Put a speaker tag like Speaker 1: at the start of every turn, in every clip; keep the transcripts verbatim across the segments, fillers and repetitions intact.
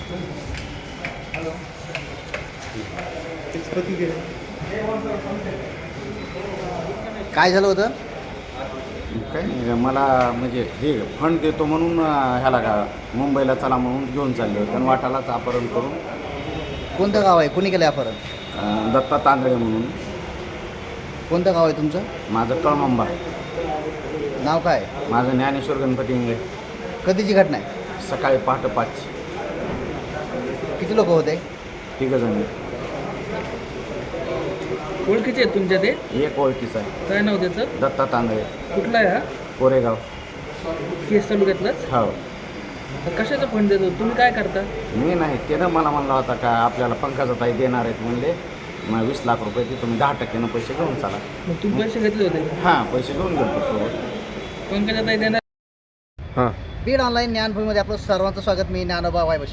Speaker 1: काय झालं होतं?
Speaker 2: काय नाही, मला म्हणजे हे फंड देतो म्हणून ह्याला का मुंबईला चला म्हणून घेऊन चालले होते आणि वाटालाच अपहरण करून.
Speaker 1: कोणतं गाव आहे? कोणी केलं अपहरण?
Speaker 2: अं, दत्ता तांदळे म्हणून.
Speaker 1: कोणतं गाव आहे तुमचं?
Speaker 2: माझं कळमंबा.
Speaker 1: नाव काय?
Speaker 2: माझं ज्ञानेश्वर गणपती इंगळे.
Speaker 1: कधीची घटना आहे?
Speaker 2: सकाळी पहाटे पाच.
Speaker 1: किती लोक होते?
Speaker 2: तिघं जण.
Speaker 3: ओळखीचे आहेत तुमच्या ते?
Speaker 2: एक ओळखीचा आहे.
Speaker 3: काय नाव त्याचं?
Speaker 2: दत्ता तांदळे.
Speaker 3: कुठला आहे हा?
Speaker 2: कोरेगाव.
Speaker 3: केस तालुक्यातलाच?
Speaker 2: हो.
Speaker 3: तर कशाचा फंड देतो? तुम्ही काय करता?
Speaker 2: मी नाही, त्यानं मला म्हणला होता का आपल्याला पंकजाताई देणार आहेत म्हणले. मग वीस लाख रुपये ते तुम्ही दहा टक्क्यानं पैसे घेऊन चाला.
Speaker 3: मग तुम्ही पैसे घेतले होते?
Speaker 2: हां, पैसे घेऊन गेलो सोबत.
Speaker 3: पंकजाताई देणार?
Speaker 2: हां.
Speaker 1: बीड ऑनलाईन ज्ञानभूमीमध्ये आपलं सर्वांचं स्वागत. मी ज्ञानोबा वायबशी.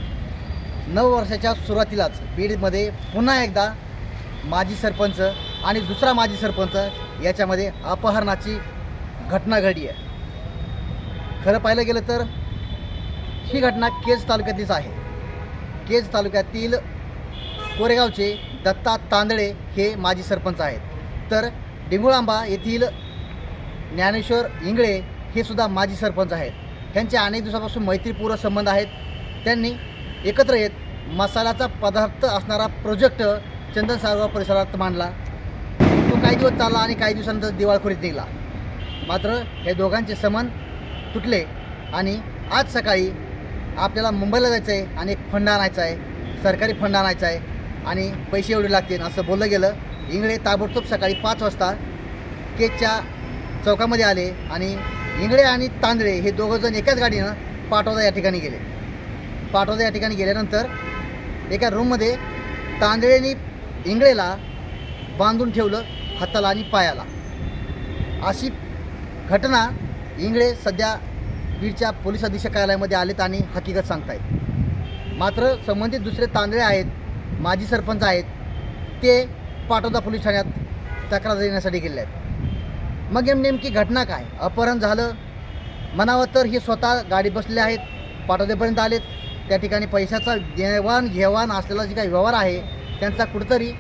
Speaker 1: नऊ वर्षाच्या सुरुवातीलाच बीडमध्ये पुन्हा एकदा माजी सरपंच आणि दुसरा माजी सरपंच याच्यामध्ये अपहरणाची घटना घडली आहे. खरं पाहिलं गेलं तर ही घटना केज तालुक्यातलीच आहे. केज तालुक्यातील कोरेगावचे दत्ता तांदळे हे माजी सरपंच आहेत. तर डिंगुळांबा येथील ज्ञानेश्वर इंगळे हे सुद्धा माजी सरपंच आहेत. त्यांचे अनेक दिवसापासून मैत्रीपूर्ण संबंध आहेत. त्यांनी एकत्र येत मसाल्याचा पदार्थ असणारा प्रोजेक्ट चंदन सारगाव परिसरात मांडला. तो काही दिवस चालला आणि काही दिवसानंतर दिवाळखोरीत निघाला. मात्र हे दोघांचे संबंध तुटले आणि आज सकाळी आपल्याला मुंबईला जायचं आहे आणि एक फंड आणायचा आहे, सरकारी फंड आणायचा आहे आणि पैसे एवढे लागतील असं बोललं गेलं. इंगळे ताबडतोब सकाळी पाच वाजता केजच्या चौकामध्ये आले आणि इंगळे आणि तांदळे हे दोघंजण एकाच गाडीनं पाटोदा या ठिकाणी गेले. पाटोदा या ठिकाणी गेल्यानंतर एका रूममध्ये तांदळेनी इंगळेला बांधून ठेवलं हाताला आणि पायाला. अशी घटना इंगळे सध्या बीडच्या पोलीस अधीक्षक कार्यालयामध्ये आलेत आणि हकीकत सांगतायत. मात्र संबंधित दुसरे तांदळे आहेत, माजी सरपंच आहेत, ते पाटोदा पोलीस ठाण्यात तक्रार देण्यासाठी गेले आहेत. मग नेमकी घटना काय? अपहरण झालं म्हणावं तर हे स्वतः गाडी बसलेले आहेत, पाटोद्यापर्यंत आलेत. त्या ठिकाणी पैशाचा देवाण घेवाण असलेला जे काही व्यवहार आहे त्यांचा कुठंतरी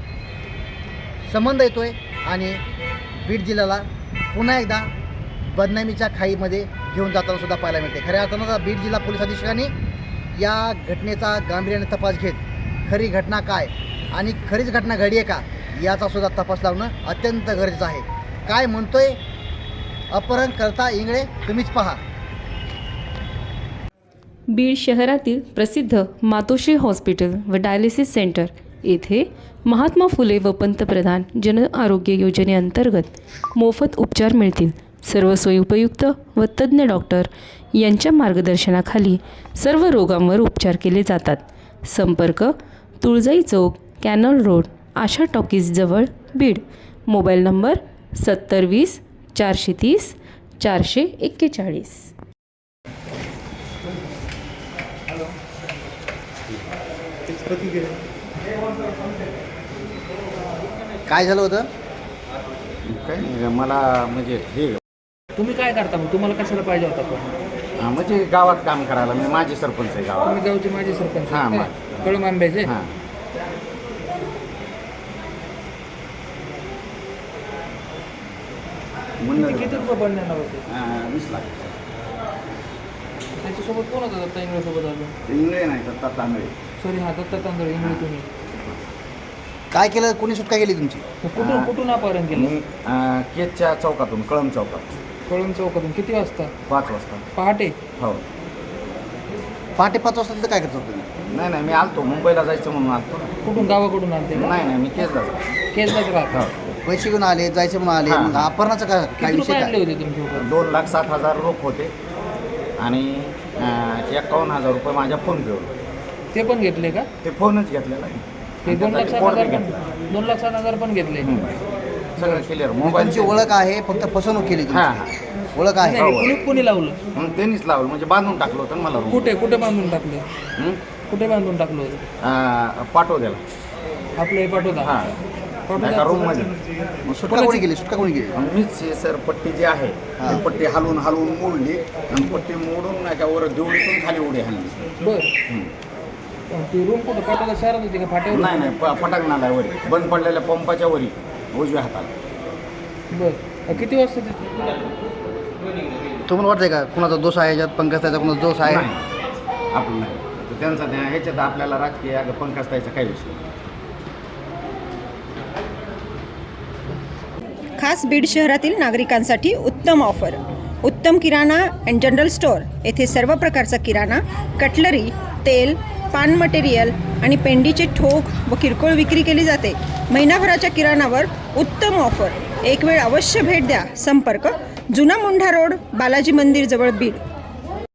Speaker 1: संबंध येतो आहे आणि बीड जिल्ह्याला पुन्हा एकदा बदनामीच्या खाईमध्ये घेऊन जाताना सुद्धा पाहायला मिळते. खऱ्या अर्थानं बीड जिल्हा पोलीस अधीक्षकांनी या घटनेचा गांभीर्याने तपास घेत खरी घटना काय आणि खरीच घटना घडी आहे का याचा सुद्धा तपास लावणं अत्यंत गरजेचं आहे. काय म्हणतोय अपहरण करता इंगळे तुम्हीच पहा.
Speaker 4: बीड शहरातील प्रसिद्ध मातोश्री हॉस्पिटल व डायलिसिस सेंटर येथे महात्मा फुले व पंतप्रधान जन आरोग्य योजनेअंतर्गत मोफत उपचार मिळतील. सर्व सोयी उपयुक्त व तज्ज्ञ डॉक्टर यांच्या मार्गदर्शनाखाली सर्व रोगांवर उपचार केले जातात. संपर्क तुळजाई चौक, कॅनल रोड, आशा टॉकीजजवळ, बीड. मोबाईल नंबर सत्तर वीस चारशे तीस चारशे एक्केचाळीस.
Speaker 1: काय झालं होतं?
Speaker 2: काय नाही, मला म्हणजे हे
Speaker 3: तुम्ही काय करता मग? तुम्हाला कशाला पाहिजे होता पण?
Speaker 2: हां, म्हणजे गावात काम करायला. मी माझी सरपंच आहे गावात.
Speaker 3: तुम्ही गावचे माजी सरपंच?
Speaker 2: हां, मा-
Speaker 3: कळम आंब्याचे?
Speaker 2: हां.
Speaker 3: किती किती रुपये पडणार होते?
Speaker 2: अं, वीस लाख.
Speaker 3: त्याच्यासोबत कोण होता? दत्ता इंगळेसोबत आलो.
Speaker 2: इंगळे नाही, दत्ता तांदळे.
Speaker 3: सॉरी, हा दत्ता तांदळे इंगळे. तुम्ही
Speaker 1: काय केलं? कोणी सुटका केली तुमची?
Speaker 3: कुठून कुठून अपहरण केलं?
Speaker 2: मी अं, केजच्या चौकातून, कळम चौकात.
Speaker 3: कळून चौकातून. किती वाजता?
Speaker 2: पाच वाजता.
Speaker 3: पहाटे?
Speaker 2: हो.
Speaker 1: पहाटे पाच वाजता तिथं काय करत होतं तुम्ही?
Speaker 2: नाही नाही, मी आलतो मुंबईला जायचं म्हणून आलतो.
Speaker 3: कुठून? गावाकडून आलते?
Speaker 2: नाही नाही, मी केजला जातो.
Speaker 3: केसलाच राहता?
Speaker 2: हो.
Speaker 1: पैसे घेऊन आले, जायचे म्हणून आले,
Speaker 2: हां.
Speaker 1: मग अपहरणाचं काय काय
Speaker 3: किती
Speaker 1: विषय
Speaker 3: रुपये
Speaker 1: काय?
Speaker 3: आणले होते तुमच्याकडे?
Speaker 2: दोन लाख सात हजार रोख होते आणि अं, एकावन्न हजार रुपये माझ्या फोन पेवर.
Speaker 3: ते पण घेतले का?
Speaker 2: ते फोनच घेतलेला आहे.
Speaker 3: ते दोन लाख
Speaker 2: त्याचा
Speaker 3: सात
Speaker 2: report
Speaker 3: हजार
Speaker 2: बी
Speaker 3: पण
Speaker 2: घेतला.
Speaker 3: दोन लाख सात हजार पण घेतले?
Speaker 2: हम्म. सगळं क्लिअर.
Speaker 1: तुमची
Speaker 2: मोबाईलची
Speaker 1: ओळख आहे, फक्त फसवणूक केली
Speaker 2: हां
Speaker 1: तुमची.
Speaker 2: हां.
Speaker 1: ओळख आहे.
Speaker 3: नाही, कुणी कुणी लावलं?
Speaker 2: मग त्यांनीच लावलं, म्हणजे बांधून टाकलं होतं ना मला room.
Speaker 3: कुठे कुठे बांधून टाकलं?
Speaker 2: हं?
Speaker 3: कुठे बांधून टाकलं होतं?
Speaker 2: अं, पाठवलेला.
Speaker 3: आपलं हे पाठवता?
Speaker 2: हां, एका रूममध्ये.
Speaker 1: मग सुटका कोणी केली? सुटका कोणी केली?
Speaker 2: मग मीच हे सर पट्टी जी आहे
Speaker 1: हां.
Speaker 2: ती पट्टी हलवून हलवून मोडली आणि पट्टी मोडून नाही का वर देवळीतून खाली उडी हल्ली.
Speaker 3: बर.
Speaker 2: हं.
Speaker 3: ती रूम कुठं पाटोदा शहरात होती का फाट्यावर
Speaker 2: नाही नाही प पटाक नाला वरी बंद पडलेल्या पंपाच्या वरी उजव्या हाताला.
Speaker 3: बरं किती वाजता ते
Speaker 1: तुम्हाला वाटतंय का कुणाचा दोष आहे याच्यात, पंकजताईचा कुणाचा दोष आहे?
Speaker 2: नाही आपलं नाही. तर त्यांचा त्या ह्याच्यात आपल्याला राजकीय अगं पंकजताईचा काही विषय नाही.
Speaker 5: खास बीड शहरातील नागरिकांसाठी उत्तम ऑफर. उत्तम किराणा अँड जनरल स्टोअर येथे सर्व प्रकारचा किराणा, कटलरी, तेल, पान मटेरियल आणि पेंडीचे ठोक व किरकोळ विक्री केली जाते. महिनाभराच्या किराणावर उत्तम ऑफर. एक वेळ अवश्य भेट द्या. संपर्क जुना मुंढा रोड, बालाजी मंदिर जवळ बीड.